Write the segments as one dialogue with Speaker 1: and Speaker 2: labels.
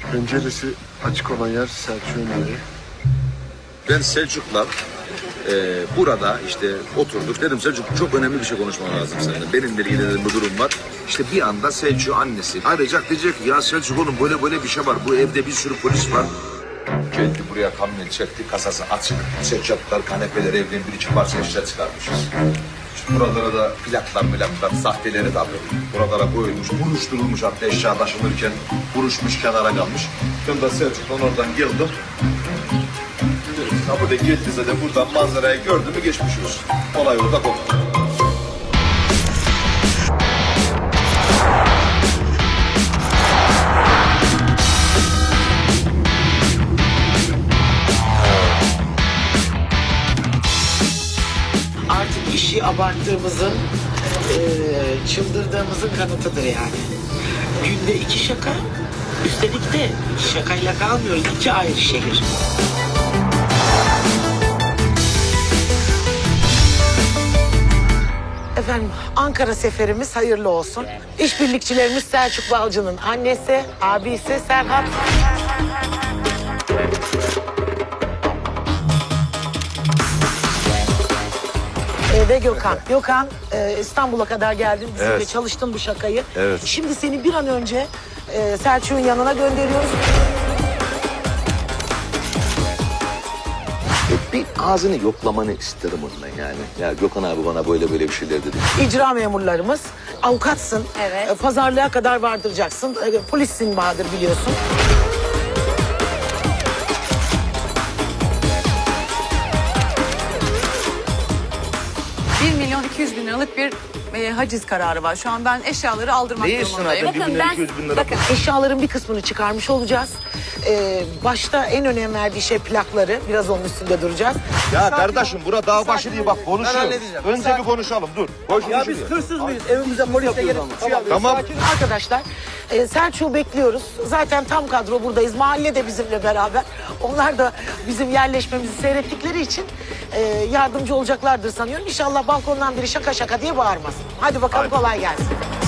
Speaker 1: Penceresi açık olan yer Selçuk'un evi.
Speaker 2: Ben Selçuk'la burada işte oturduk. Dedim Selçuk çok önemli bir şey konuşmam lazım seninle. Benimle ilgili dedim bir durum var. İşte bir anda Selçuk annesi arayacak, diyecek ki ya Selçuk oğlum böyle bir şey var. Bu evde bir sürü polis var. Geldi buraya kamyon çekti, kasası açık. Seccatlar, kanepeler, evden bir iki parça eşya çıkarmışız. İşte buralara da plaklar, sahteleri tabii. Buralara koyulmuş, buruşturulmuş, hatta eşya taşınırken buruşmuş, kenara kalmış. Ben de Selçuk'tan oradan geldim. Kapıda geldi zaten, buradan manzarayı gördü mü geçmiş olsun. Olay orada koptu.
Speaker 3: Artık işi abarttığımızın, çıldırdığımızın kanıtıdır yani. Günde 2 şaka, üstelik de şakayla kalmıyoruz, 2 ayrı şehir. Efendim, Ankara seferimiz hayırlı olsun. İşbirlikçilerimiz Selçuk Balcı'nın annesi, abisi Serhat. Ve Gökhan. Gökhan, İstanbul'a kadar geldin, bizimle
Speaker 2: Evet.
Speaker 3: çalıştın bu şakayı.
Speaker 2: Evet.
Speaker 3: Şimdi seni bir an önce Selçuk'un yanına gönderiyoruz.
Speaker 2: Bir ağzını yoklamanı isterim ondan yani. Ya Gökhan abi bana böyle bir şeyler dedi.
Speaker 3: İcra memurlarımız, avukatsın,
Speaker 4: Evet.
Speaker 3: Pazarlığa kadar vardıracaksın. Polissin Bahadır, biliyorsun.
Speaker 4: $1.200.000 liralık bir haciz kararı var. Şu an ben eşyaları aldırmak
Speaker 2: Değilsin
Speaker 4: durumundayım.
Speaker 2: abi, 1.200.000 lira.
Speaker 4: Bakın
Speaker 3: Eşyaların bir kısmını çıkarmış olacağız. Başta en önem verdiği şey plakları. Biraz onun üstünde duracağız.
Speaker 2: Ya kardeşim bura dağ başı değil, bak konuşuyoruz. Önce bir konuşalım, dur. Boş
Speaker 5: Ya biz hırsız mıyız? Evimize polisle gelip
Speaker 2: Tamam.
Speaker 3: Arkadaşlar, Selçuk'u bekliyoruz. Zaten tam kadro buradayız. Mahalle de bizimle beraber. Onlar da bizim yerleşmemizi seyrettikleri için yardımcı olacaklardır sanıyorum. İnşallah balkondan biri şaka şaka diye bağırmaz. Hadi bakalım, kolay gelsin.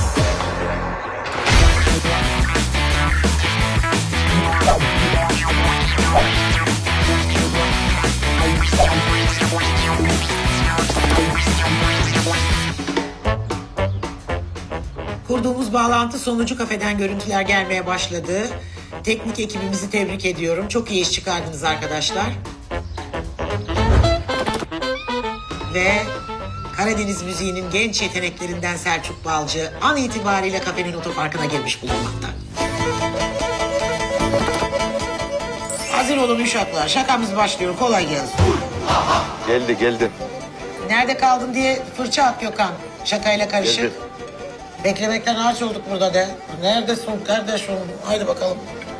Speaker 3: Kurduğumuz bağlantı sonucu kafeden görüntüler gelmeye başladı. Teknik ekibimizi tebrik ediyorum. Çok iyi iş çıkardınız arkadaşlar. Ve Karadeniz müziğinin genç yeteneklerinden Selçuk Balcı an itibariyle kafenin otoparkına girmiş bulunmakta. Hazır olun uşaklar. Şakamız başlıyor. Kolay gelsin.
Speaker 2: Geldi.
Speaker 3: Nerede kaldın diye fırça at Gökhan. Şakayla karışık.
Speaker 2: Geldi.
Speaker 3: Beklemekten ağaç olduk burada de. Neredesin kardeşim? Haydi bakalım.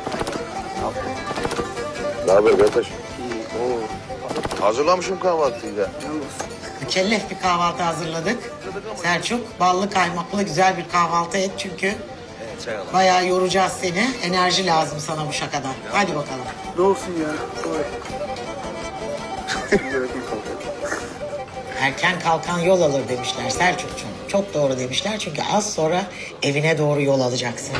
Speaker 2: Ne haber kardeş? Hazırlamışım kahvaltıyı ya.
Speaker 3: Mükellef bir kahvaltı hazırladık. Selçuk, ballı kaymaklı güzel bir kahvaltı et çünkü bayağı yoracağız seni. Enerji lazım sana bu şakadan. Hadi bakalım.
Speaker 5: Ne olsun ya?
Speaker 3: Erken kalkan yol alır demişler Selçukcuğum. Çok doğru demişler çünkü az sonra evine doğru yol alacaksın.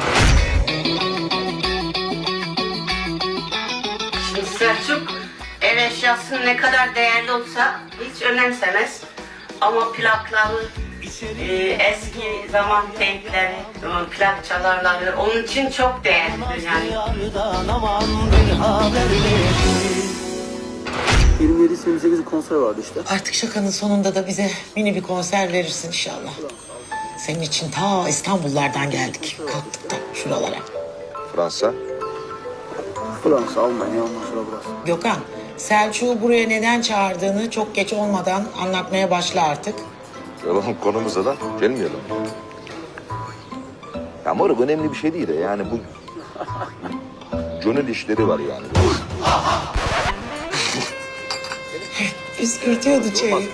Speaker 6: Şimdi Selçuk ev eşyası ne kadar değerli olsa hiç önemsemez. Ama plakları, eski zaman teypleri, plak çalarları onun için çok değerlidir yani.
Speaker 5: 27-28 konser vardı işte.
Speaker 3: Artık şakanın sonunda da bize mini bir konser verirsin inşallah. Senin için ta İstanbullardan geldik. Kalktık da şuralara.
Speaker 2: Fransa.
Speaker 5: Fransa, Almanya, ondan sonra burası.
Speaker 3: Gökhan, Selçuk'u buraya neden çağırdığını çok geç olmadan anlatmaya başla artık.
Speaker 2: Yalan konumuza da gelmeyelim. Ya moruk önemli bir şey değil de yani bu... Gönül işleri var yani.
Speaker 3: Püskürtüyordu çayı.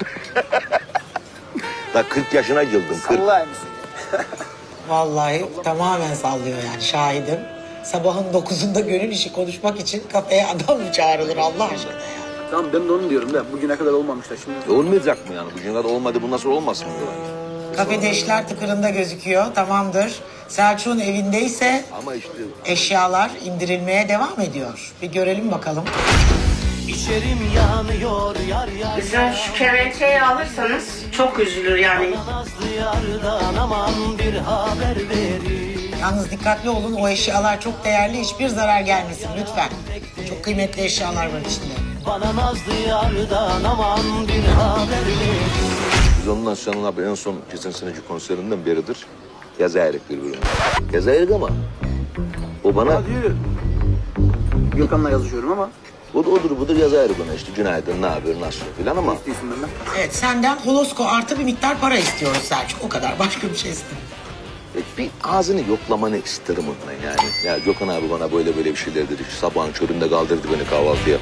Speaker 2: Daha 40 yaşına girdim. 40.
Speaker 5: Allah'ım mısın?
Speaker 3: Vallahi tamamen sallıyor yani, şahidim. Sabahın 9'unda gönül işi konuşmak için kafeye adam mı çağrılır Allah aşkına ya?
Speaker 5: Tamam ben de onu diyorum da bugüne kadar olmamışlar şimdi.
Speaker 2: Olmayacak mı yani? Bugüne kadar olmadı, bu nasıl olmasın diyor.
Speaker 3: Kafede işler tıkırında gözüküyor. Tamamdır. Selçuk'un evindeyse
Speaker 2: Ama işte
Speaker 3: eşyalar indirilmeye devam ediyor. Bir görelim bakalım.
Speaker 7: İçerim yanıyor yar yar.
Speaker 6: Bizim şu kemençeyi alırsanız çok üzülür yani.
Speaker 7: Nazlı yardan aman bir haber verin.
Speaker 3: Yalnız dikkatli olun, o eşyalar çok değerli. Hiçbir zarar gelmesin lütfen. Çok kıymetli eşyalar var içinde.
Speaker 7: Bana nazlı yardan aman bir haber verin.
Speaker 2: biz ondan sonra abi en son geçen seneki konserinden beridir yazayırık birbirine. Yazayırık ama o bana
Speaker 5: Diyor. Gökhan'la yazışıyorum ama
Speaker 2: odur budur yazayırık bana işte günaydın ne haber nasıl filan ama
Speaker 5: istiyorsun benden.
Speaker 3: Evet, senden holosko artı bir miktar para istiyoruz Selçuk. O kadar, başka bir şey istemiyorum.
Speaker 2: bir ağzını yoklamanı isterim ondan yani. Ya Gökhan abi bana böyle bir şeyler dedi. Sabahın köründe kaldırdı beni kahvaltıya.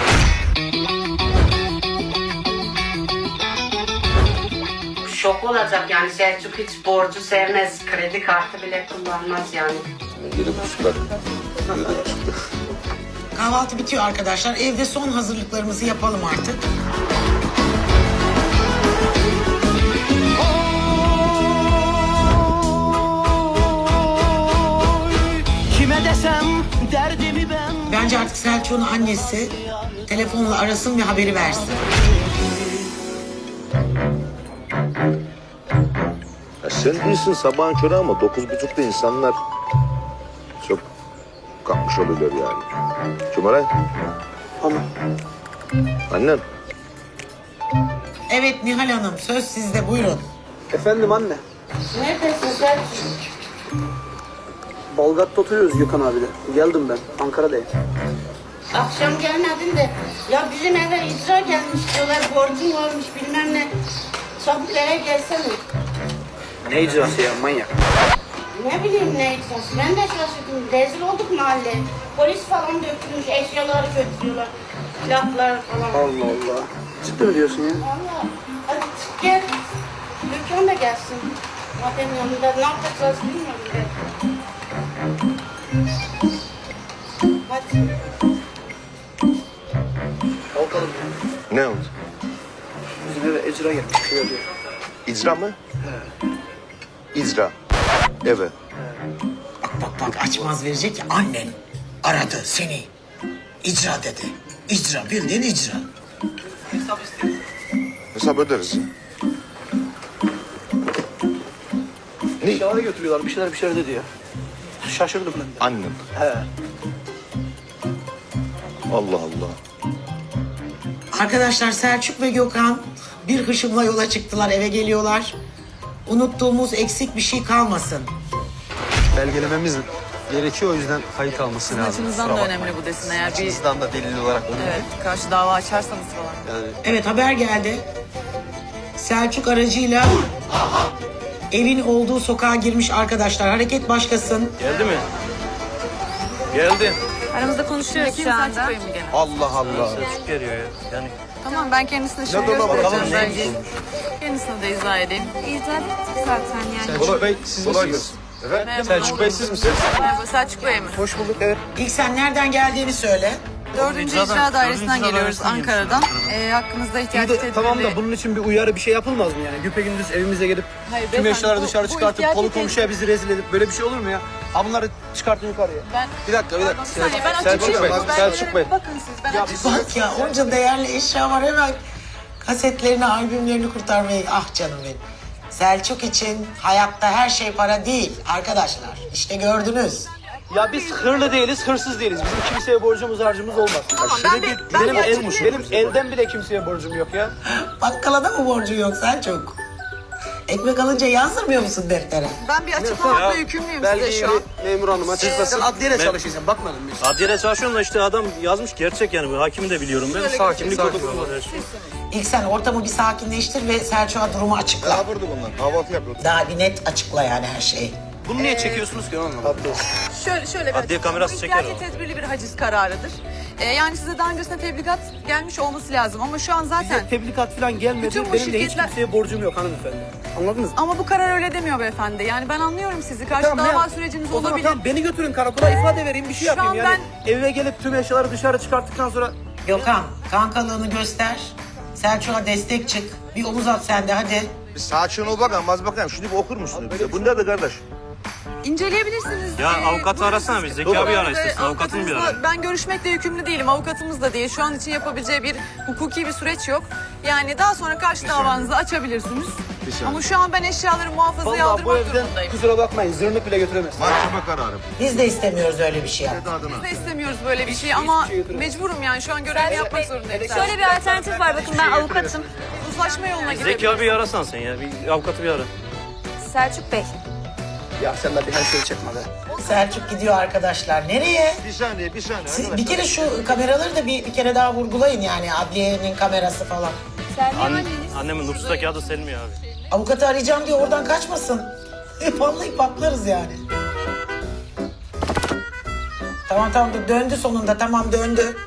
Speaker 6: Şok olacak yani Selçuk hiç borcu sevmez. Kredi kartı bile kullanmaz yani.
Speaker 2: 7.30'lar.
Speaker 3: Kahvaltı bitiyor arkadaşlar. Evde son hazırlıklarımızı yapalım artık.
Speaker 7: Kime desem derdimi ben.
Speaker 3: Bence artık Selçuk'un annesi telefonla arasın ve haberi versin.
Speaker 2: Ya sen değilsin sabahın körü ama 9.30'da insanlar çok kalkmış oluyorlar yani. Cumhuray.
Speaker 5: Ama
Speaker 2: Annen.
Speaker 3: Evet Nihal Hanım, söz sizde, buyurun.
Speaker 5: efendim anne.
Speaker 6: Neredesin Selçuk?
Speaker 5: Balgat'ta oturuyoruz Gökhan abiyle. Geldim ben. Ankara'dayım.
Speaker 6: Akşam gelmedin de ya bizim eve icra gelmiş diyorlar, borcun varmış bilmem ne. Çabuk eve gelsene.
Speaker 5: Ne icrası ya manyak.
Speaker 6: Ne bileyim ne icrası, ben de şaşırdım. Rezil olduk mahalle. Polis falan dökülmüş, eşyaları götürüyorlar. Silahlar falan.
Speaker 5: Allah Allah. Ciddi mi diyorsun ya?
Speaker 6: Valla. Hadi çık gel. Gökhan da gelsin. Madem yanında ne yapacağız bilmiyorum ben. Hadi.
Speaker 5: Kalkalım ya.
Speaker 2: Ne oldu?
Speaker 5: Bizim eve icra gelmiş. Şöyle diyor.
Speaker 2: İcra mı? İcra. Evet.
Speaker 3: Bak açmaz verecek ya, annen aradı seni. İcra dedi. İcra, bildiğin icra.
Speaker 2: Hesap öderiz ya.
Speaker 5: Eşyaları götürüyorlar. Bir şeyler dedi ya. Şaşırdım ben de.
Speaker 2: Annen.
Speaker 5: He.
Speaker 2: Allah Allah.
Speaker 3: Arkadaşlar Selçuk ve Gökhan bir hışımla yola çıktılar, eve geliyorlar. Unuttuğumuz eksik bir şey kalmasın.
Speaker 8: Belgelememiz gerekiyor, o yüzden kayıt alması
Speaker 4: Sizin
Speaker 8: lazım.
Speaker 4: açınızdan da önemli bu desin. Eğer bir
Speaker 8: Açınızdan da delil olarak önemli.
Speaker 4: evet, karşı dava açarsanız falan.
Speaker 8: Yani
Speaker 3: Evet, haber geldi. Selçuk aracıyla evin olduğu sokağa girmiş arkadaşlar. Hareket başlasın.
Speaker 8: geldi mi? Geldi.
Speaker 4: Aramızda konuşuyoruz şu anda. Selçuk Bey mi gene?
Speaker 8: Allah Allah. Selçuk geliyor ya. Yani
Speaker 4: Tamam, ben kendisine şimdi
Speaker 8: dolaba bakalım,
Speaker 4: göstereceğim.
Speaker 8: neymiş?
Speaker 4: Kendisine de izah edeyim.
Speaker 9: İzah ettik zaten yani.
Speaker 8: Selçuk Bey siz misiniz?
Speaker 4: Merhaba.
Speaker 8: Selçuk Bey siz misiniz?
Speaker 4: Merhaba, Selçuk Bey mi?
Speaker 5: Hoş bulduk. Evet.
Speaker 3: İlk sen nereden geldiğini söyle.
Speaker 4: 4. İcra Dairesi'nden geliyoruz, Ankara'dan. Hakkımızda ihtiyaç tedbirli...
Speaker 10: Tamam da bunun için bir uyarı bir şey yapılmaz mı yani? Güpegündüz evimize gelip
Speaker 4: Hayır,
Speaker 10: tüm
Speaker 4: beyefendi,
Speaker 10: eşyaları
Speaker 4: bu-
Speaker 10: dışarı
Speaker 4: bu
Speaker 10: çıkartıp
Speaker 4: ihtiyacı
Speaker 10: kolu
Speaker 4: tedbir-
Speaker 10: komşuya bizi rezil edip böyle bir şey olur mu ya? Ha bunları çıkartın yukarıya.
Speaker 4: Ben...
Speaker 10: Bir dakika.
Speaker 4: Bir saniye, ben
Speaker 8: Selçuk
Speaker 4: açıklayayım.
Speaker 8: Bey,
Speaker 4: Bu
Speaker 8: Selçuk
Speaker 4: belgelere
Speaker 8: Bey.
Speaker 4: bir bakın siz, ben açıklayayım.
Speaker 3: Bak ya, onca değerli eşya var, hemen kasetlerini, albümlerini kurtarmayı. Ah canım benim. Selçuk için hayatta her şey para değil arkadaşlar. İşte gördünüz.
Speaker 10: Ya biz hırlı değiliz, hırsız değiliz. Bizim kimseye borcumuz harcımız olmaz.
Speaker 4: Tamam,
Speaker 10: Benim elden bile kimseye borcum yok ya.
Speaker 3: Bakkala da mı borcun yok Selçuk? Ekmek alınca yazdırmıyor musun deftere?
Speaker 4: Ben bir açıklamakla yükümlüyüm size şu an.
Speaker 10: Memur hanım açıklasın. Sen adliyede çalışıyorsun, bakmadın mı?
Speaker 8: adliyede çalışıyorum da işte adam yazmış gerçek yani. Bu hakimi de biliyorum ben. Sakinlik olur.
Speaker 3: İlk sen ortamı bir sakinleştir ve Selçuk'a durumu açıkla.
Speaker 2: Ne yapırdı bunlar? Kahvaltı yapıyorduk.
Speaker 3: Daha bir net açıkla yani her şeyi.
Speaker 10: Bunu niye çekiyorsunuz ki anlamadım.
Speaker 4: Şöyle bir
Speaker 8: Adliye
Speaker 4: açıklama.
Speaker 8: kamerası
Speaker 4: Bu
Speaker 8: çeker
Speaker 4: ihtiyacı
Speaker 8: o.
Speaker 4: tedbirli bir haciz kararıdır. Yani size daha öncesinde tebligat gelmiş olması lazım ama şu an zaten...
Speaker 10: Bize tebligat falan gelmedi.
Speaker 4: Bütün bu
Speaker 10: Benim de hiç
Speaker 4: şirketler-
Speaker 10: kimseye borcum yok hanımefendi. Anladınız mı?
Speaker 4: Ama bu karar öyle demiyor beyefendi. Yani ben anlıyorum sizi. Karşı
Speaker 10: Tamam,
Speaker 4: dava
Speaker 10: ne-
Speaker 4: süreciniz
Speaker 10: O zaman
Speaker 4: olabilir.
Speaker 10: tamam, beni götürün karakola, ifade vereyim, bir şey
Speaker 4: Şu
Speaker 10: yapayım
Speaker 4: an
Speaker 10: yani. Eve gelip tüm eşyaları dışarı çıkarttıktan sonra
Speaker 3: Gökhan, kankalığını göster. Selçuk'a destek çık. Bir omuz at sen de hadi.
Speaker 2: Bir sakin ol bakalım, az bakayım. Şunu bir okur musun bize? Bu nedir kardeş?
Speaker 4: İnceleyebilirsiniz.
Speaker 8: Ya avukatı arasana bir. Zeki abi ara istersen. Avukatını bir
Speaker 4: Avukatımızla
Speaker 8: ara.
Speaker 4: ben görüşmekle yükümlü değilim. Avukatımız da değil. Şu an için yapabileceği bir hukuki bir süreç yok. Yani daha sonra karşı davanızı açabilirsiniz. Ama şu an ben eşyaları muhafazaya
Speaker 10: Vallahi bu
Speaker 4: aldırmak
Speaker 10: evden
Speaker 4: durumundayım.
Speaker 10: kusura bakmayın zırnık bile götüremez.
Speaker 2: Mahkeme kararı.
Speaker 3: Biz de istemiyoruz öyle bir şey.
Speaker 4: Biz de istemiyoruz böyle bir şey ama mecburum yani şu an görevimi yapmak zorundayım.
Speaker 9: Şöyle bir alternatif var, bakın ben avukatım.
Speaker 4: Uzlaşma yoluna
Speaker 8: Zeki
Speaker 4: gidebiliriz.
Speaker 8: abi arasan sen ya. Bir avukatı bir ara.
Speaker 9: Selçuk Bey.
Speaker 10: Ya sen de bir her şeyi çekme be.
Speaker 3: Selçuk gidiyor arkadaşlar. Nereye?
Speaker 2: Bir saniye arkadaşlar.
Speaker 3: Bir kere şu kameraları da bir kere daha vurgulayın yani. Adliyenin kamerası falan.
Speaker 9: Selvi
Speaker 8: Anne,
Speaker 9: anneniz.
Speaker 8: annemin nüfustaki adı Selmi abi.
Speaker 3: Avukatı arayacağım diye oradan kaçmasın. Vallahi patlarız yani. Tamam döndü sonunda, tamam döndü.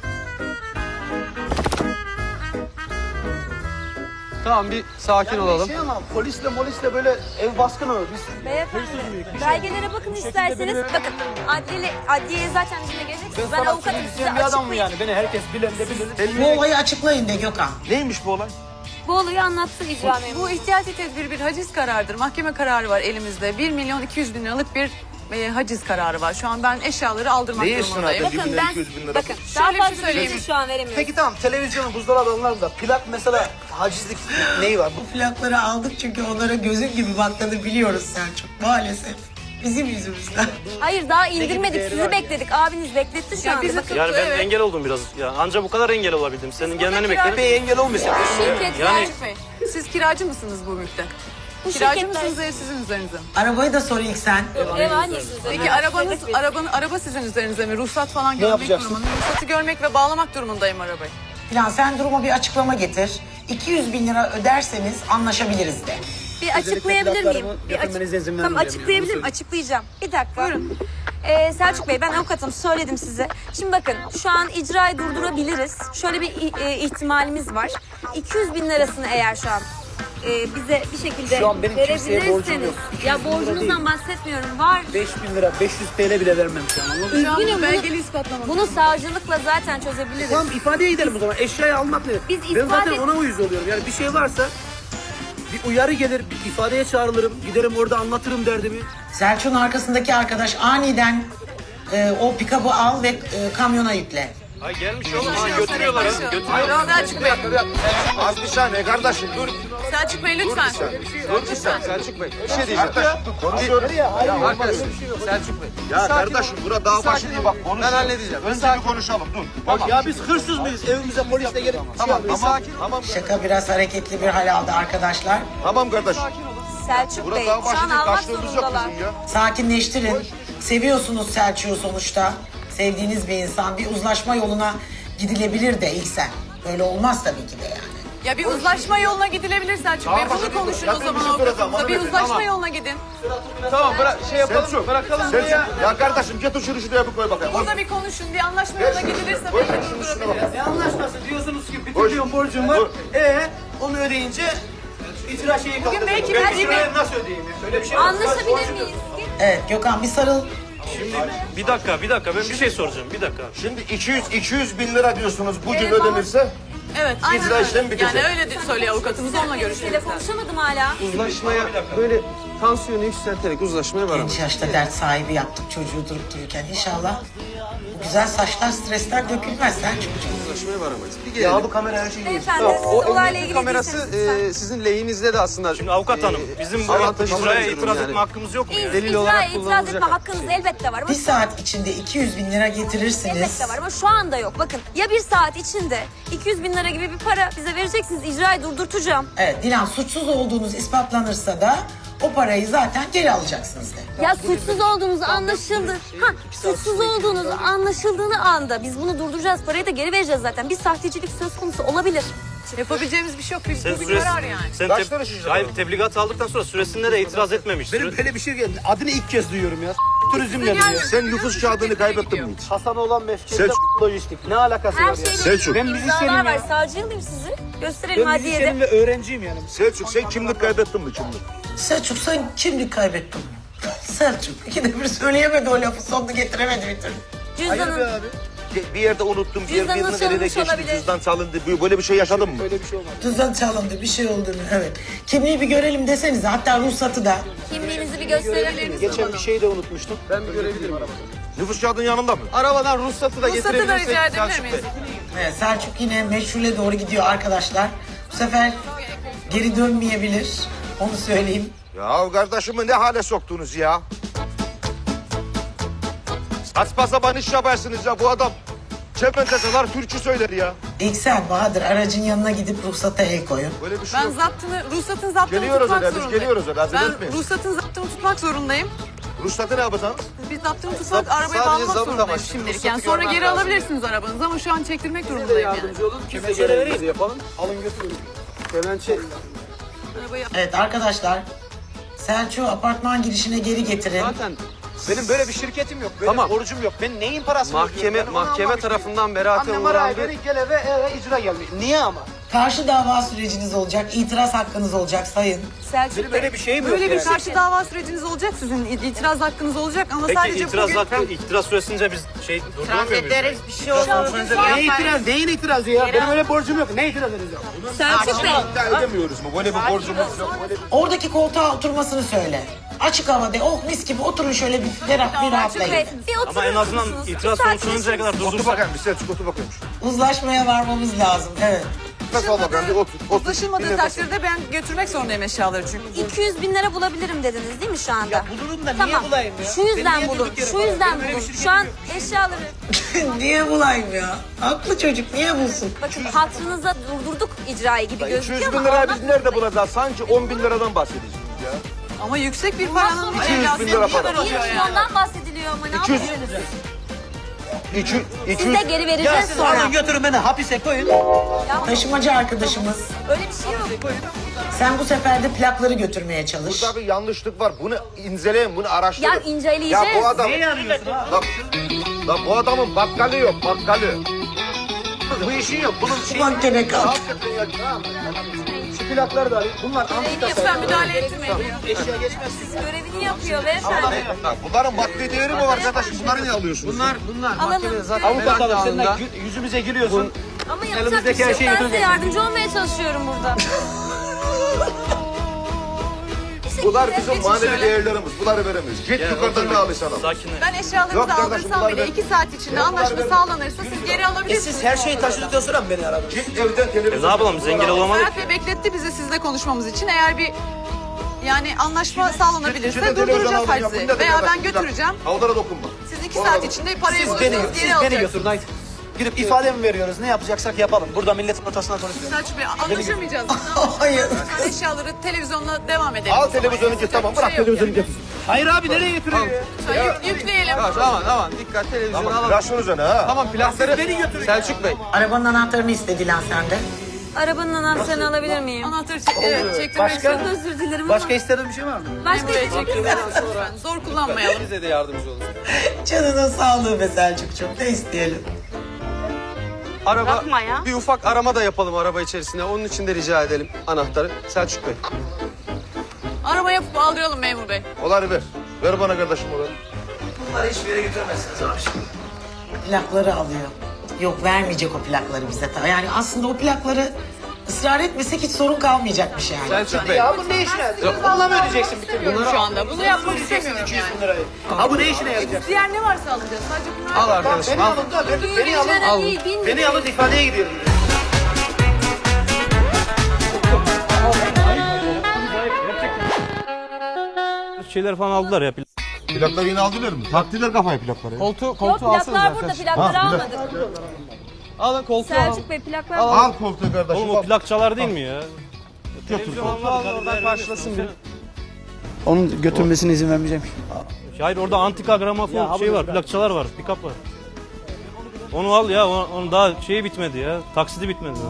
Speaker 5: Tamam bir sakin olalım. Şey ama polisle böyle ev baskını biz
Speaker 9: Beyefendi, belgelere bakın isterseniz. Bakın, adliyeye zaten bizimle geleceksiniz. Ben avukatım, size
Speaker 5: bir adam mı
Speaker 9: açıklayayım.
Speaker 5: yani? Beni herkes bilen de bilir.
Speaker 3: Bu olayı açıklayın de Gökhan.
Speaker 2: Neymiş bu olay?
Speaker 9: Bu olayı anlatsın icra memuru.
Speaker 4: Bu ihtiyati tedbir bir haciz kararıdır. Mahkeme kararı var elimizde. 1.200.000 liralık bir haciz kararı var. Şu an ben eşyaları aldırmak
Speaker 2: Neye
Speaker 4: durumundayım.
Speaker 2: istinaden?
Speaker 9: Bakın
Speaker 2: 1 milyon 200 bin lira.
Speaker 9: bakın daha
Speaker 4: Şöyle bir şey
Speaker 9: fazla
Speaker 4: söyleyeyim.
Speaker 9: bilgi şu an veremiyorum.
Speaker 5: Peki tamam televizyonun buzdolabı alanlarında plak mesela hacizlik neyi var?
Speaker 3: Bu plakları aldık çünkü onlara gözün gibi baktığını biliyoruz Selçuk. Maalesef. Bizim yüzümüzden.
Speaker 9: Hayır daha indirmedik, sizi bekledik. Abiniz bekletti şu anda.
Speaker 4: bizi
Speaker 9: Bakın,
Speaker 8: Yani ben
Speaker 4: Evet.
Speaker 8: engel oldum biraz. Ya anca bu kadar engel olabildim. Senin gelmeni bekledim.
Speaker 5: Bey engel olmasın.
Speaker 9: şirket
Speaker 8: Yani-
Speaker 4: Selçuk Bey, siz kiracı mısınız bu mülkte?
Speaker 9: bu
Speaker 4: Kiracı
Speaker 9: şirketler...
Speaker 4: mısınız ev sizin üzerinize mi?
Speaker 3: Arabayı da sor ilk sen.
Speaker 9: Ev annesiniz.
Speaker 4: Peki araba sizin üzerinize mi? Ruhsat falan görmek
Speaker 5: yapacaksın?
Speaker 4: durumunda. Ruhsatı görmek ve bağlamak durumundayım arabayı.
Speaker 3: Plan sen duruma bir açıklama getir. 200 bin lira öderseniz anlaşabiliriz de.
Speaker 9: Bir açıklayabilir miyim?
Speaker 5: getirmenize izin
Speaker 9: Tamam
Speaker 5: vermeyeceğim
Speaker 9: açıklayabilirim. Açıklayacağım. Bir dakika. Buyurun. Selçuk Bey ben avukatım söyledim size. Şimdi bakın şu an icrayı durdurabiliriz. Şöyle bir ihtimalimiz var. 200 bin lirasını eğer şu an bize bir şekilde
Speaker 5: Şu an benim kimseye borcum
Speaker 9: verebilirseniz.
Speaker 5: yok.
Speaker 9: Ya borcunuzdan bahsetmiyorum. Var.
Speaker 5: 5000 lira 500 TL bile vermem şu an anladın mı?
Speaker 4: Şu an
Speaker 9: Üzgünüm,
Speaker 4: bu belgeli ispatlamak.
Speaker 9: Bunu savcılıkla zaten çözebiliriz.
Speaker 5: Tamam ifadeye gidelim o zaman. Eşyayı almak ne?
Speaker 9: Biz
Speaker 5: Ben zaten
Speaker 9: ifade-
Speaker 5: ona uyuz oluyorum. Yani bir şey varsa bir uyarı gelir, bir ifadeye çağrılırım. Giderim orada anlatırım derdimi.
Speaker 3: Selçuk'un arkasındaki arkadaş aniden o pikabı al ve kamyona yükle.
Speaker 8: Ay gelmiş oğlum. Ha, götürüyorlar ha. Götürüyorlar.
Speaker 4: Selçuk Bey,
Speaker 2: Az bir saniye kardeşim dur.
Speaker 4: Selçuk Bey lütfen.
Speaker 2: Dur bir saniye. Selçuk Bey. Bir şey diyeceğim. Konuşuyoruz.
Speaker 5: Selçuk Bey.
Speaker 2: Ya kardeşim burada dağ başı değil bak konuş. Ben halledeceğim. Önce bir konuşalım dur. Tamam.
Speaker 5: Ya biz hırsız mıyız? Evimize polisle gelip
Speaker 2: Tamam tamam.
Speaker 3: Şaka biraz hareketli bir hal aldı arkadaşlar.
Speaker 2: Tamam kardeşim.
Speaker 9: Selçuk
Speaker 2: Burada
Speaker 9: Bey
Speaker 2: dağ
Speaker 9: şu
Speaker 2: başı
Speaker 9: an
Speaker 2: değil
Speaker 9: almak
Speaker 2: kaçtığımız yok
Speaker 9: zorundalar.
Speaker 2: bizim ya.
Speaker 3: Sakinleştirin. Seviyorsunuz Selçuk'u sonuçta. Sevdiğiniz bir insan. Bir uzlaşma yoluna gidilebilir de ilk sen. Böyle olmaz tabii ki de yani.
Speaker 4: Ya bir uzlaşma yoluna gidilebilir Selçuk Bey. Bunu konuşun o zaman avukatımızla. Bir uzlaşma yoluna gidin.
Speaker 5: Tamam bırak şey yapalım.
Speaker 2: Selçuk.
Speaker 5: Bırakalım
Speaker 2: Selçuk.
Speaker 5: ya.
Speaker 2: Ya kardeşim getir şunu şuraya bir koy bakayım.
Speaker 4: Burada bir konuşun. Bir anlaşma yoluna gidilirse belki durdurabiliriz.
Speaker 5: Ne anlaşması diyorsunuz ki bir trilyon borcum var. Onu ödeyince icra şeyi kaldı.
Speaker 4: belki
Speaker 5: Ben
Speaker 4: belki
Speaker 5: icrayı nasıl ödeyeyim? Öyle bir şey var.
Speaker 9: Anlaşabilir miyiz?
Speaker 3: Evet Gökhan bir sarıl.
Speaker 8: Bir dakika ben bir şey soracağım. Bir dakika.
Speaker 2: Şimdi 200 bin lira diyorsunuz bugün ödenirse.
Speaker 4: Evet, aynen
Speaker 2: İcra
Speaker 4: öyle.
Speaker 2: işlemi bitecek.
Speaker 4: Yani öyle söylüyor avukatımız, onunla görüşürüz.
Speaker 9: Şeyle konuşamadım hala.
Speaker 10: Uzlaşmaya böyle tansiyonu yükselterek uzlaşmaya varamayız.
Speaker 3: Genç yaşta dert sahibi yaptık çocuğu durup dururken. İnşallah bu güzel saçlar stresten dökülmez Selçuk'cuğum.
Speaker 10: Uzlaşmaya varamayız. Bir
Speaker 5: Ya
Speaker 10: gelelim.
Speaker 5: bu kamera her şeyi yiyor.
Speaker 9: Beyefendi
Speaker 10: Tamam,
Speaker 9: siz
Speaker 10: o
Speaker 9: olayla
Speaker 10: emniyet
Speaker 9: ilgili
Speaker 10: kamerası
Speaker 9: değilseniz
Speaker 10: sizin lehinizde de aslında.
Speaker 8: Şimdi avukat hanım bizim
Speaker 10: avantajımız
Speaker 8: buraya
Speaker 10: var
Speaker 8: itiraz
Speaker 10: yani.
Speaker 8: etme hakkımız yok mu?
Speaker 9: lütfen.
Speaker 8: ya?
Speaker 10: delil
Speaker 9: İcraya
Speaker 10: olarak
Speaker 9: itiraz
Speaker 10: kullanılacak.
Speaker 9: etme hakkınız elbette var ama
Speaker 3: Bir saat içinde 200 bin lira getirirsiniz.
Speaker 9: elbette var ama şu anda yok. Bakın ya bir saat içinde 200 bin lira gibi bir para bize vereceksiniz. İcrayı durdurtacağım.
Speaker 3: Evet Dilan suçsuz olduğunuz ispatlanırsa da o parayı zaten geri alacaksınız de.
Speaker 9: Ya suçsuz olduğunuz anlaşıldı. Suçsuz olduğunuz anlaşıldığını anda biz bunu durduracağız. Parayı da geri vereceğiz zaten. Bir sahtecilik söz konusu olabilir.
Speaker 4: Yapabileceğimiz bir şey yok.
Speaker 8: Sen
Speaker 4: Bu bir
Speaker 8: süresi,
Speaker 4: karar yani.
Speaker 8: sen
Speaker 2: Kaç lira şişecek
Speaker 8: hayır
Speaker 2: abi?
Speaker 8: tebligat aldıktan sonra süresinde de itiraz etmemiş.
Speaker 5: Benim böyle bir şey geldi. Adını ilk kez duyuyorum ya. Turizmle
Speaker 4: Yani-
Speaker 5: diyor.
Speaker 2: Sen nüfus kağıdını kaybettin mi hiç?
Speaker 5: Hasan olan mefkinde
Speaker 2: Selçuk.
Speaker 5: lojistik. Ne alakası
Speaker 9: Her
Speaker 5: var ya?
Speaker 9: şeyde
Speaker 2: Selçuk.
Speaker 5: Ben müzisyenim
Speaker 9: iddialar var.
Speaker 5: ya.
Speaker 9: Savcı alayım sizi. Gösterelim
Speaker 5: Ben
Speaker 9: adliyede.
Speaker 5: müzisyenim ve öğrenciyim yani.
Speaker 2: Selçuk sen kimlik kaybettin mi kimlik?
Speaker 3: Selçuk sen kimlik kaybettin mi? Selçuk ikide bir söyleyemedi o lafı sonunu getiremedi bir türlü.
Speaker 5: Hayır be
Speaker 9: Cüzdanın,
Speaker 5: abi.
Speaker 2: bir yerde unuttum,
Speaker 9: Cüzdanınız
Speaker 2: birinin eline
Speaker 9: çalınmış
Speaker 2: geçti,
Speaker 9: olabilir.
Speaker 2: cüzdan çalındı. Böyle bir şey yaşadın mı?
Speaker 5: Öyle bir şey olmaz.
Speaker 3: Cüzdan çalındı, bir şey olduğunu. Evet. Kimliği bir görelim desenize. Hatta ruhsatı da.
Speaker 9: Kimliğinizi bir gösterebiliriz.
Speaker 10: Geçen bir şey de unutmuştum. Ben bir görebilirim arabadan.
Speaker 2: Nüfus kağıdının yanında mı?
Speaker 10: Arabadan ruhsatı da
Speaker 4: Ruhsatı da
Speaker 10: getirebilirsek.
Speaker 4: rica edebilir
Speaker 10: Selçuk
Speaker 4: miyiz?
Speaker 10: Bey.
Speaker 3: Evet, Selçuk yine meşhule doğru gidiyor arkadaşlar. Bu sefer geri dönmeyebilir. Onu söyleyeyim.
Speaker 2: Ya kardeşimi ne hale soktunuz ya? Saçma sapan iş yaparsınız ya bu adam. Çementeseler türkü söyler ya.
Speaker 3: İlk sen Bahadır aracın yanına gidip ruhsata el koyun.
Speaker 2: Böyle bir şey
Speaker 4: Ben
Speaker 2: yok.
Speaker 4: ruhsatın zaptını
Speaker 2: Geliyoruz
Speaker 4: tutmak
Speaker 2: öyle, biz
Speaker 4: zorundayım.
Speaker 2: geliyoruz öyle, acele
Speaker 4: Ben
Speaker 2: etmeyin.
Speaker 4: ruhsatın zaptını tutmak zorundayım.
Speaker 2: Ruhsatı ne yapacaksınız?
Speaker 4: Biz zaptını tutmak, arabayı
Speaker 10: sadece
Speaker 4: bağlamak
Speaker 10: zabıt
Speaker 4: zorundayım
Speaker 10: amaçlı.
Speaker 4: şimdilik.
Speaker 10: Ruhsatı
Speaker 4: Yani sonra
Speaker 10: görmem
Speaker 4: geri
Speaker 10: lazım.
Speaker 4: alabilirsiniz arabanızı ama şu an çektirmek
Speaker 5: Siz de
Speaker 4: durumundayım yani.
Speaker 5: yardımcı olun. Biz de görevimizi yapalım. Alın götürün. Kemençe.
Speaker 4: Arabayı
Speaker 3: Evet arkadaşlar. Selçuk'u apartman girişine geri getirin.
Speaker 10: Zaten benim böyle bir şirketim yok. Böyle bir borcum yok. Ben neyin parasını
Speaker 5: Mahkeme
Speaker 10: tarafından beraat
Speaker 5: Annem araya beni gel eve icra gelmiş. Niye ama?
Speaker 3: Karşı dava süreciniz olacak. İtiraz hakkınız olacak sayın.
Speaker 9: Selçuk
Speaker 5: Benim
Speaker 9: Bey.
Speaker 5: böyle bir şeyim yok
Speaker 4: Böyle bir
Speaker 5: yani.
Speaker 4: karşı dava süreciniz olacak sizin. İtiraz hakkınız olacak ama
Speaker 8: Peki
Speaker 4: sadece
Speaker 8: itiraz
Speaker 4: bugün...
Speaker 8: hakkı, itiraz süresince biz durduramıyor muyuz?
Speaker 6: bir şey olmaz.
Speaker 5: Ne itiraz? Neyin itirazı ya? Benim öyle borcum yok. Ne itiraz edeceğim?
Speaker 9: Selçuk Bey.
Speaker 2: İddia edemiyoruz mu? Böyle bir borcumuz yok. Böyle bir...
Speaker 3: Oradaki koltuğa oturmasını söyle. Açık havada oh mis gibi oturun şöyle bir ferah bir
Speaker 9: Selçuk Bey.
Speaker 3: rahatlayın.
Speaker 9: Bir oturur
Speaker 8: Ama en azından
Speaker 9: musunuz?
Speaker 8: itiraz
Speaker 9: Bir
Speaker 8: sonuçlanıncaya kadar
Speaker 2: Otur
Speaker 8: durdursak.
Speaker 2: bakayım bir Selçuk otur bakayım.
Speaker 3: Uzlaşmaya varmamız lazım. Evet.
Speaker 2: Nefes al bakayım bir otur.
Speaker 4: Uzlaşılmadığı
Speaker 2: Bir nefes al.
Speaker 4: takdirde ben götürmek zorundayım eşyaları çünkü.
Speaker 9: 200 bin lira bulabilirim dediniz değil mi şu anda?
Speaker 5: Ya bulurum da niye
Speaker 9: Tamam.
Speaker 5: bulayım ya?
Speaker 9: Şu yüzden
Speaker 5: Ben niye
Speaker 9: bulun.
Speaker 5: durduk yere
Speaker 9: Şu
Speaker 5: bulayım?
Speaker 9: yüzden
Speaker 5: Benim öyle bir
Speaker 9: bulun.
Speaker 5: şirketim
Speaker 9: Şu an
Speaker 5: yok.
Speaker 9: eşyaları...
Speaker 3: Niye bulayım ya? Haklı çocuk niye bulsun?
Speaker 9: Bakın hatırınıza durdurduk icrayı gibi gözüküyor
Speaker 2: 200
Speaker 9: ama...
Speaker 2: bin lirayı
Speaker 9: ondan
Speaker 2: biz nerede bulacağız? Sanki 10 bin liradan bahsedeceğiz ya.
Speaker 4: Ama yüksek bir paranın
Speaker 2: 200 bin lira para.
Speaker 9: 1 milyondan bahsediliyor ama ne
Speaker 2: 200.
Speaker 9: yapıyorsunuz?
Speaker 2: 200.
Speaker 9: Siz de geri vereceğiz sonra.
Speaker 5: Alın götürün beni hapise koyun.
Speaker 3: Taşımacı arkadaşımız.
Speaker 9: Öyle bir şey yok.
Speaker 3: Sen bu sefer de plakları götürmeye çalış.
Speaker 2: Burada bir yanlışlık var. Bunu inceleyin, bunu araştırın.
Speaker 9: Ya inceleyeceğiz.
Speaker 2: Ya bu adam...
Speaker 5: Neyi arıyorsun ha?
Speaker 2: Lan bu adamın bakkalı yok, bakkalı. Bu işin yok. Bunun şeyi...
Speaker 3: Mahkeme kalk.
Speaker 2: Hakikaten ya.
Speaker 5: Şu plakları da alayım. Bunlar antika
Speaker 4: Lütfen müdahale etmeyin.
Speaker 5: eşya geçmez.
Speaker 9: Görevini yapıyor beyefendi.
Speaker 2: Bak, bunların maddi değeri mi var arkadaş? Bunları niye alıyorsunuz?
Speaker 5: Bunlar
Speaker 9: Alalım.
Speaker 5: avukat alır. Sen de yüzümüze gülüyorsun.
Speaker 9: Ama yapacak bir
Speaker 5: elimizdeki
Speaker 9: şey
Speaker 5: her
Speaker 9: yok.
Speaker 5: şeyi
Speaker 9: Ben size
Speaker 5: götüreceğiz.
Speaker 9: yardımcı olmaya çalışıyorum burada. Bir şekilde
Speaker 2: Bunlar bizim
Speaker 9: geçin
Speaker 2: manevi
Speaker 9: şöyle.
Speaker 2: değerlerimiz. Bunları veremeyiz. Git yukarıdan ne alırsan al.
Speaker 8: Sakinle.
Speaker 4: Ben eşyalarınızı
Speaker 2: Yok kardeşim,
Speaker 4: aldırsam
Speaker 2: bunlar
Speaker 4: bile
Speaker 2: ben-
Speaker 4: 2 saat içinde anlaşma sağlanırsa siz geri alabilirsiniz.
Speaker 5: Siz her şeyi taşıdıktan sonra mı beni aradınız?
Speaker 2: Git evden televizyon.
Speaker 8: Ne yapalım biz engel olamadık.
Speaker 4: Serhat Bey bekletti bizi sizle konuşmamız için. Eğer bir yani anlaşma
Speaker 2: Şimdi
Speaker 4: sağlanabilirse
Speaker 2: televizyon
Speaker 4: durduracağız
Speaker 2: alacağım. Bu
Speaker 4: hacizi.
Speaker 2: nedir
Speaker 4: Veya
Speaker 2: kardeşim?
Speaker 4: ben
Speaker 2: Bir dakika.
Speaker 4: götüreceğim.
Speaker 2: Havlara dokunma.
Speaker 4: Siz 2 saat içinde parayı
Speaker 5: Siz
Speaker 4: bulursanız
Speaker 5: beni
Speaker 4: geri alacaksınız.
Speaker 5: götürün haydi. Gidip ifade mi veriyoruz? Ne yapacaksak yapalım. Burada milletin ortasına konuşuyoruz.
Speaker 4: Selçuk Bey anlaşamayacağız.
Speaker 3: Hayır.
Speaker 4: Lütfen eşyaları televizyonla devam edelim.
Speaker 2: Al televizyonu git tamam bırak televizyonu git.
Speaker 5: Hayır abi nereye götürüyor ya?
Speaker 4: Lütfen yükleyelim.
Speaker 10: Tamam dikkat televizyonu
Speaker 2: Tamam
Speaker 10: alalım.
Speaker 2: flash üzerine ha.
Speaker 10: Tamam plakları
Speaker 5: Beni götürün.
Speaker 10: Selçuk Bey.
Speaker 3: Arabanın anahtarını istedi lan sende.
Speaker 9: Arabanın anahtarını alabilir miyim?
Speaker 4: Anahtarı çektirmek
Speaker 5: Başka?
Speaker 4: istiyorum.
Speaker 9: Çok özür dilerim ama.
Speaker 5: Başka istediğin bir şey var mı?
Speaker 9: Başka
Speaker 4: Buraya
Speaker 9: bir şey
Speaker 4: çektirmek lütfen. Zor kullanmayalım.
Speaker 10: Bize de yardımcı olun.
Speaker 3: Canına sağlığı be Selçuk'cum. Ne isteyelim?
Speaker 10: Araba,
Speaker 6: Bakma ya.
Speaker 10: bir ufak arama da yapalım araba içerisinde. Onun için de rica edelim anahtarı. Selçuk Bey.
Speaker 4: Araba yapıp aldıralım memur bey.
Speaker 2: Oları ver. Ver bana kardeşim oları.
Speaker 5: Bunları hiçbir yere götüremezsiniz abi.
Speaker 3: Plakları alıyor. Yok vermeyecek o plakları bize. Yani aslında o plakları ısrar etmesek hiç sorun kalmayacakmış yani.
Speaker 10: Selçuk Bey.
Speaker 5: Ya bu ne işine yarayacak? Valla mı ödeyeceksin bütün bunları?
Speaker 4: Şu anda bunu yapmak istemiyorum
Speaker 5: 200
Speaker 4: yani.
Speaker 5: bin lirayı. Ha bu ne işine yarayacak?
Speaker 4: Diğer ne varsa alacağız. Sadece bunları
Speaker 10: Al arkadaşım
Speaker 5: Beni
Speaker 10: al.
Speaker 5: alın da beni
Speaker 9: Beni
Speaker 5: alın.
Speaker 9: değil, bin
Speaker 5: Beni
Speaker 9: lira.
Speaker 5: alın ifadeye gidiyorum.
Speaker 8: Şeyler falan aldılar ya.
Speaker 2: Plakları yine aldılar mı? Taktiler kafayı plakları.
Speaker 10: Koltuğu
Speaker 9: Yok plaklar burada, plakları almadık.
Speaker 10: Alın koltuğu alın.
Speaker 9: Selçuk Bey plaklar
Speaker 2: Al koltuğu kardeşim.
Speaker 8: Oğlum o plakçalar değil mi ya?
Speaker 2: Götür.
Speaker 10: Al oradan karşılasın beni.
Speaker 5: Onun götürmesine izin vermeyeceğim.
Speaker 8: Hayır orada antika gramofon şey var, plakçalar var, pick-up var. Onu al ya, onun daha şeyi bitmedi ya, taksidi bitmedi.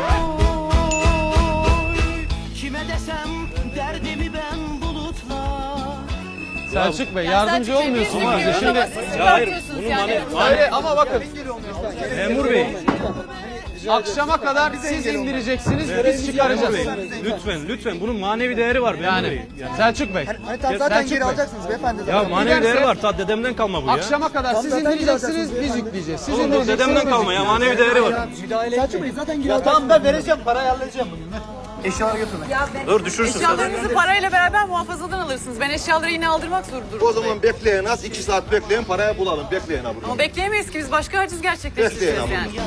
Speaker 7: Kime desem derdimi ben bulutla.
Speaker 10: Selçuk Bey yardımcı
Speaker 4: Selçuk Bey,
Speaker 10: olmuyorsun
Speaker 4: biz
Speaker 10: ama
Speaker 4: biliyoruz
Speaker 10: şimdi.
Speaker 4: ama siz
Speaker 8: Ya hayır,
Speaker 4: bırakıyorsunuz
Speaker 8: bunun
Speaker 4: yani.
Speaker 8: mani
Speaker 10: Ama bakın.
Speaker 8: memur bey.
Speaker 10: Akşama kadar siz indireceksiniz, biz çıkaracağız.
Speaker 8: Lütfen bunun manevi değeri var.
Speaker 10: Yani Selçuk Bey.
Speaker 5: Zaten geri alacaksınız beyefendi.
Speaker 8: Ya manevi değeri var. Ta dedemden kalma bu ya.
Speaker 10: Akşama kadar siz indireceksiniz, biz yükleyeceğiz. Siz
Speaker 8: Oğlum bu
Speaker 10: indireceksiniz,
Speaker 8: dedemden
Speaker 10: biz
Speaker 8: kalma ya. Manevi değeri var.
Speaker 5: Selçuk Bey zaten geri alacaksınız. Tamam ben vereceğim parayı halledeceğim bugün. Eşyaları götürme.
Speaker 8: Dur düşürsün.
Speaker 4: Eşyalarınızı parayla beraber muhafazadan alırsınız. Ben eşyaları yine aldırmak zorundayım.
Speaker 2: O zaman bekleyin az 2 saat bekleyin parayı bulalım. Bekleyin abi.
Speaker 4: Ama bekleyemeyiz ki biz başka haciz gerçekleştireceğiz
Speaker 2: Bekleyin
Speaker 4: yani.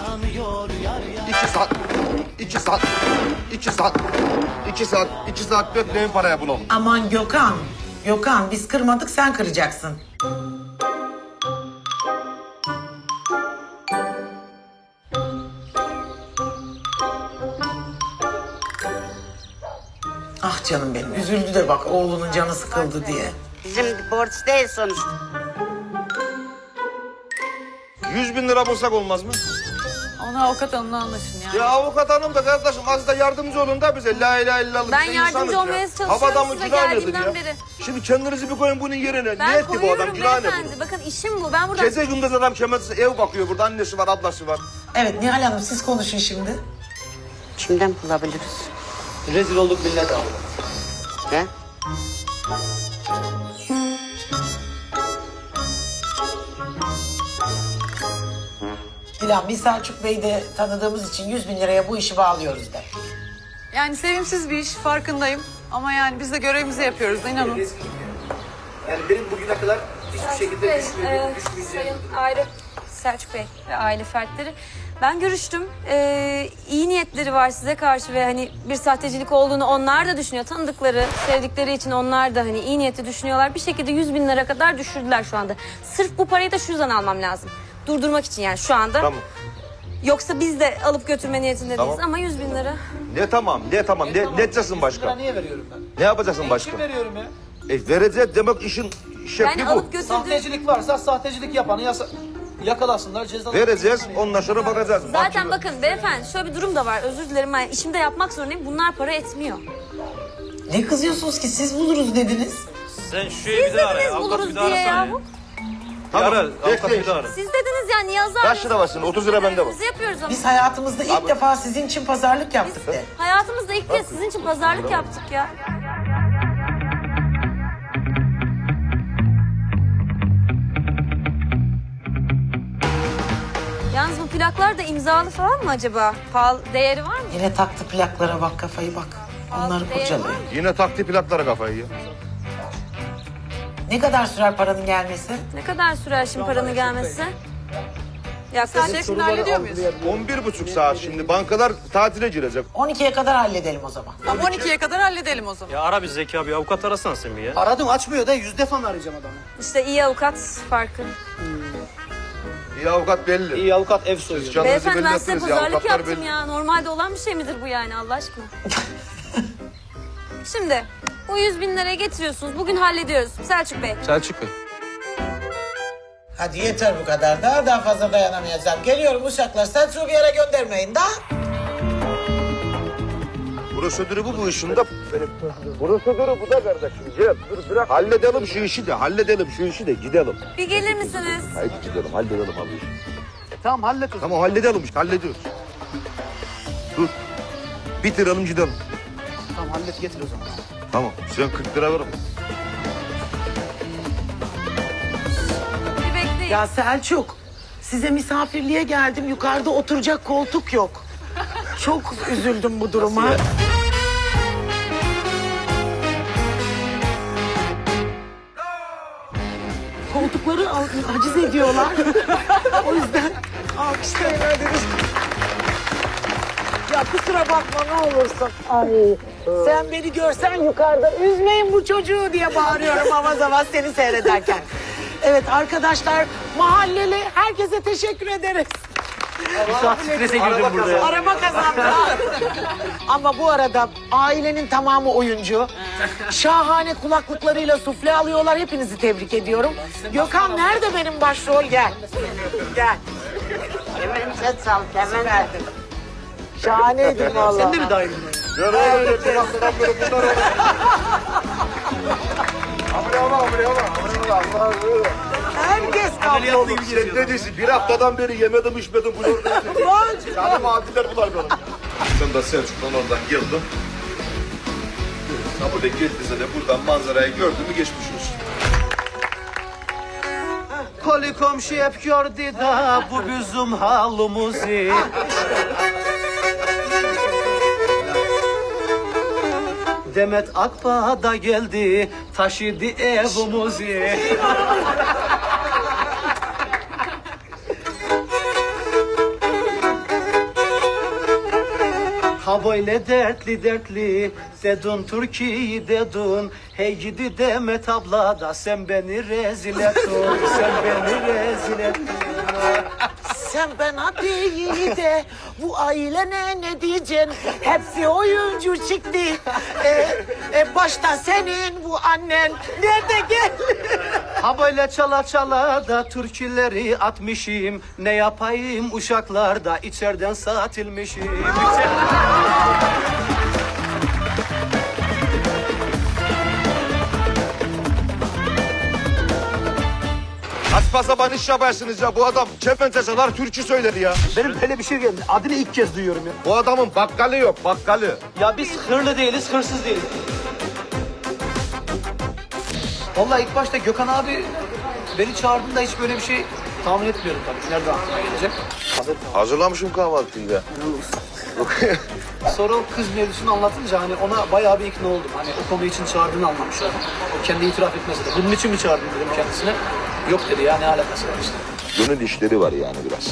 Speaker 2: 2 saat bekleyin parayı bulalım.
Speaker 3: Aman Gökhan biz kırmadık sen kıracaksın. Ah canım benim üzüldü de bak oğlunun canı sıkıldı diye.
Speaker 6: Bizim borç değil sonuçta.
Speaker 2: 100.000 lira bulsak olmaz mı?
Speaker 4: Ona avukat hanımla anlaşın yani.
Speaker 2: Ya avukat hanım da kardeşim az da yardımcı olun da bize. La ilahe illallah.
Speaker 9: Ben
Speaker 2: biz de
Speaker 9: yardımcı
Speaker 2: insanız ya.
Speaker 9: olmaya çalışıyorum
Speaker 2: Havadan mı
Speaker 9: size
Speaker 2: günah nedir
Speaker 9: geldiğimden
Speaker 2: ya?
Speaker 9: beri.
Speaker 2: Şimdi kendinizi bir koyun bunun yerine. Ne
Speaker 9: Ben
Speaker 2: etti bu adam?
Speaker 9: koyuyorum
Speaker 2: Günah ne
Speaker 9: beyefendi.
Speaker 2: bu?
Speaker 9: Bakın işim bu. Ben burada...
Speaker 2: Gece gündüz adam kemersiz ev bakıyor burada. Annesi var, ablası var.
Speaker 3: Evet Nihal Hanım siz konuşun şimdi.
Speaker 6: Kimden bulabiliriz?
Speaker 5: Rezil olduk millet abi.
Speaker 6: He?
Speaker 3: Dilan biz Selçuk Bey'i de tanıdığımız için 100.000 liraya bu işi bağlıyoruz de.
Speaker 4: Yani sevimsiz bir iş farkındayım. Ama yani biz de görevimizi yapıyoruz da inanın.
Speaker 5: Yani benim bugüne kadar hiçbir şekilde düşmeyeceğim.
Speaker 9: Sayın aile Selçuk Bey ve aile fertleri. Ben görüştüm. İyi niyetleri var size karşı ve hani bir sahtecilik olduğunu onlar da düşünüyor. Tanıdıkları, sevdikleri için onlar da hani iyi niyetli düşünüyorlar. Bir şekilde 100.000 lira kadar düşürdüler şu anda. Sırf bu parayı da şu yüzden almam lazım. Durdurmak için yani şu anda.
Speaker 2: Tamam.
Speaker 9: Yoksa biz de alıp götürme niyetinde
Speaker 2: Tamam.
Speaker 9: değiliz ama 100.000 lira.
Speaker 2: Ne tamam. Ne edeceksin başka?
Speaker 5: Niye veriyorum ben?
Speaker 2: Ne yapacaksın başka?
Speaker 5: Kim veriyorum ya?
Speaker 2: Vereceğiz demek işin şekli
Speaker 9: Yani
Speaker 2: bu.
Speaker 9: alıp götürdüğüm...
Speaker 5: Sahtecilik varsa sahtecilik yapanı yakalasınlar cezalı.
Speaker 2: Vereceğiz ondan sonra bakacağız.
Speaker 9: Zaten bakın beyefendi şöyle bir durum da var. Özür dilerim ben işimde yapmak zorundayım. Bunlar para etmiyor.
Speaker 3: Ne kızıyorsunuz ki siz buluruz dediniz.
Speaker 8: Sen şu şeyi
Speaker 9: Siz
Speaker 8: bir daha ara ya.
Speaker 9: dediniz
Speaker 8: Avukatı
Speaker 9: buluruz
Speaker 8: bir daha
Speaker 9: diye
Speaker 8: arasana
Speaker 9: yahu.
Speaker 2: Tamam,
Speaker 8: Bir ara, avukatı
Speaker 2: bekleyin.
Speaker 8: bir daha ara.
Speaker 9: Siz dediniz ya niye azar
Speaker 2: Kaç lira var senin? 30 lira bende var.
Speaker 9: Biz yapıyoruz ama.
Speaker 3: Biz hayatımızda ilk defa sizin için pazarlık yaptık de.
Speaker 9: Hayatımızda ilk kez sizin için pazarlık yaptık ya. Yalnız bu plaklar da imzalı falan mı acaba? Pahalı değeri var mı?
Speaker 3: Yine taktı plaklara bak kafayı bak. Onları
Speaker 9: Değeri
Speaker 3: kurcalıyor.
Speaker 9: var mı?
Speaker 2: Yine taktı plaklara kafayı ya.
Speaker 3: Ne kadar sürer paranın gelmesi?
Speaker 9: Ne kadar sürer şimdi paranın gelmesi?
Speaker 4: Sadece
Speaker 9: Yaklaşık
Speaker 4: şimdi hallediyor muyuz?
Speaker 2: 11,5 saat şimdi. Bankalar tatile girecek.
Speaker 3: 12'ye kadar halledelim o zaman.
Speaker 4: Ama 12'ye kadar halledelim o zaman.
Speaker 8: Ya ara bir Zeki abi avukat arasana sen bir ya.
Speaker 5: Aradım açmıyor da 100 defa mı arayacağım adamı?
Speaker 9: İşte iyi avukat farkı.
Speaker 2: İyi avukat belli.
Speaker 5: İyi avukat ev soyuyor.
Speaker 2: Kendinizi
Speaker 9: Beyefendi
Speaker 2: belli
Speaker 9: ben size
Speaker 2: ettiniz ya,
Speaker 9: pazarlık
Speaker 2: avukatlar
Speaker 9: yaptım
Speaker 2: belli.
Speaker 9: ya. Normalde olan bir şey midir bu yani Allah aşkına? Şimdi bu 100.000 liraya getiriyorsunuz. Bugün hallediyoruz. Selçuk Bey.
Speaker 10: Selçuk Bey.
Speaker 3: Hadi yeter bu kadar. Daha fazla dayanamayacağım. Geliyorum uşaklar. Selçuk'u bir yere göndermeyin daha.
Speaker 2: Prosedürü bu işin de. Prosedürü bu da kardeşim. Gel dur bırak. Halledelim şu işi de gidelim.
Speaker 9: Bir gelir misiniz?
Speaker 2: Haydi gidelim halledelim abi işi.
Speaker 5: Tamam hallet o zaman.
Speaker 2: Tamam halledelim işte hallediyoruz. Dur. Bitirelim gidelim.
Speaker 5: Tamam hallet getir o zaman.
Speaker 2: Tamam sen 40 lira ver.
Speaker 9: Bir bekleyin.
Speaker 3: Ya Selçuk, size misafirliğe geldim. Yukarıda oturacak koltuk yok. Çok üzüldüm bu duruma. Koltukları haciz ediyorlar. O yüzden alkışlayın öyle. Ya kusura bakma ne olursun. Ay, sen beni görsen yukarıda üzmeyin bu çocuğu diye bağırıyorum avaz avaz seni seyrederken. Evet arkadaşlar mahalleli herkese teşekkür ederiz.
Speaker 5: Strese girdim burada ya.
Speaker 3: Araba kazandı. Ama bu arada ailenin tamamı oyuncu. Şahane kulaklıklarıyla sufle alıyorlar. Hepinizi tebrik ediyorum. Gökhan nerede benim başrol? Gel. Gel.
Speaker 6: Hemen sal, hemen.
Speaker 3: Şahaneydin vallahi.
Speaker 5: Sen de mi dahil?
Speaker 2: Gel öyle kulaklıdan böyle bunlar olur. Amre ama.
Speaker 3: Herkes kavga olur.
Speaker 1: Ne diyorsun? Bir haftadan beri yemedim içmedim. Bu yordan. Canım adiller bular benim.
Speaker 2: Ben de Selçuk'tan oradan geldim. Ha burada geldiyse de buradan manzarayı gördün mü geçmiş olsun.
Speaker 5: Koli komşu hep gördü da bu bizim halımızı. Demet Akbağ da geldi, taşıdı evimizi. Ha böyle dertli dertli dedun Türkiye'yi dedun. Hey gidi Demet abla da sen beni rezil ettin. Sen beni rezil ettin.
Speaker 3: Sen bana değil de bu ailene ne diyeceksin? Hepsi oyuncu çıktı. Başta senin bu annen. Nerede gel?
Speaker 5: Ha böyle çala çala da türküleri atmışım. Ne yapayım uşaklarda içeriden satilmişim.
Speaker 1: Saçma sapan iş yaparsınız ya. Bu adam kepenteseler türkü söyler ya.
Speaker 5: Benim böyle bir şey geldi. Adını ilk kez duyuyorum ya.
Speaker 1: Bu adamın bakkalı yok, bakkalı.
Speaker 5: Ya biz hırlı değiliz, hırsız değiliz. Vallahi ilk başta Gökhan abi beni çağırdığında hiç böyle bir şey tahmin etmiyorum tabii. Nereden aklıma gelecek?
Speaker 1: Hazırlamışım kahvaltıyı da.
Speaker 5: Sonra o kız mevzusunu anlatınca hani ona bayağı bir ikna oldum. Hani o konu için çağırdığını anlamış oldum. O kendi itiraf etmese de. Bunun için mi çağırdın dedim kendisine. Yok dedi ya ne alakası var işte.
Speaker 2: Gönül işleri var yani biraz.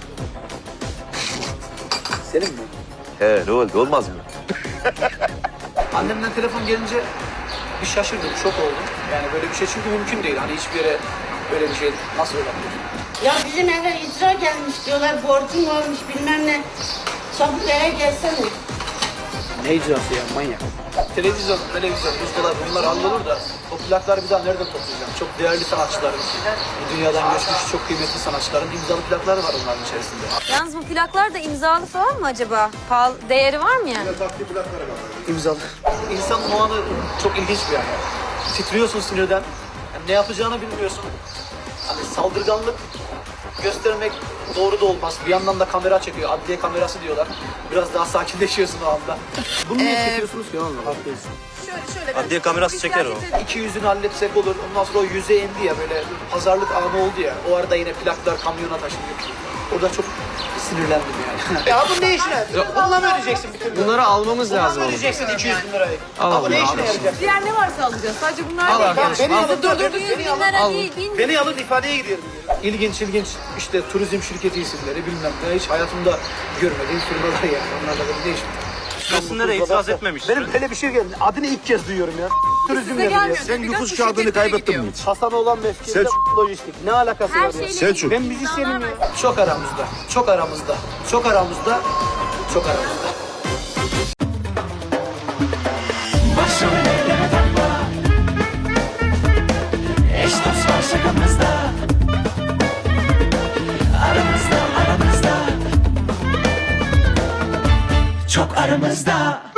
Speaker 5: Senin mi?
Speaker 2: He ne oldu olmaz mı?
Speaker 5: Annemden telefon gelince bir şaşırdım, şok oldum. Yani böyle bir şey çünkü mümkün değil. Hani hiçbir yere böyle bir şey nasıl olabilir?
Speaker 6: Ya bizim eve icra gelmiş diyorlar, borcun varmış bilmem ne. Çabuk eve gelsene.
Speaker 5: Ne icrası ya manyak. Televizyon, buzdolabı bunlar hallolur da o plakları bir daha nereden toplayacağım? Çok değerli sanatçıların, bu dünyadan göçmüş çok kıymetli sanatçıların imzalı plakları var onların içerisinde.
Speaker 9: Yalnız bu plaklar da imzalı falan mı acaba? Pahalı, değeri var mı yani?
Speaker 5: İmzalı. İnsanın o anı çok ilginç bir yani. Titriyorsun sinirden. Yani ne yapacağını bilmiyorsun. Hani saldırganlık göstermek doğru da olmaz. Bir yandan da kamera çekiyor. Adliye kamerası diyorlar. Biraz daha sakinleşiyorsun o anda. Bunu niye çekiyorsunuz ki? Haklısın.
Speaker 4: Şöyle
Speaker 8: Adliye kamerası çeker o.
Speaker 5: İki yüzünü halletsek olur. Ondan sonra o yüze indi ya böyle pazarlık anı oldu ya. O arada yine plaklar kamyona taşınıyor. Orada çok sinirlendim yani. Ya bu ne işine? Bununla mı ödeyeceksin bütün gün?
Speaker 10: Bunları almamız lazım.
Speaker 5: Bununla mı ödeyeceksin 200 bin lirayı?
Speaker 10: Al
Speaker 5: Bu ne
Speaker 10: abi,
Speaker 5: işine yarayacak?
Speaker 4: diğer ne varsa alacağız. Sadece bunlar değil.
Speaker 5: Beni alın,
Speaker 9: Dur 100 bin lira değil, 1000
Speaker 5: Beni alın ifadeye gidiyorum. İlginç işte turizm şirketi isimleri bilmem ne hiç hayatımda görmediğim firmalar yani. Onlarla da ne işim?
Speaker 8: Aslında da itiraz etmemiş.
Speaker 5: Benim böyle bir şey geldi. Adını ilk kez duyuyorum ya. Turizm
Speaker 4: Size
Speaker 5: yazıyor.
Speaker 4: gelmiyor.
Speaker 1: Sen
Speaker 4: Biraz
Speaker 1: nüfus
Speaker 4: bu
Speaker 1: kağıdını
Speaker 4: şirketlere
Speaker 1: kaybettin
Speaker 4: gidiyor.
Speaker 1: mi hiç?
Speaker 5: Hasan olan mevkinde lojistik. Ne alakası
Speaker 9: her
Speaker 5: var ya?
Speaker 9: şeyle
Speaker 1: Selçuk.
Speaker 5: Ben müzisyenim ya. Çok aramızda. Çok aramızda. Çok aramızda. Çok aramızda.
Speaker 7: Başım elleme takma. Eş dost var şakamızda. Aramızda. Çok aramızda.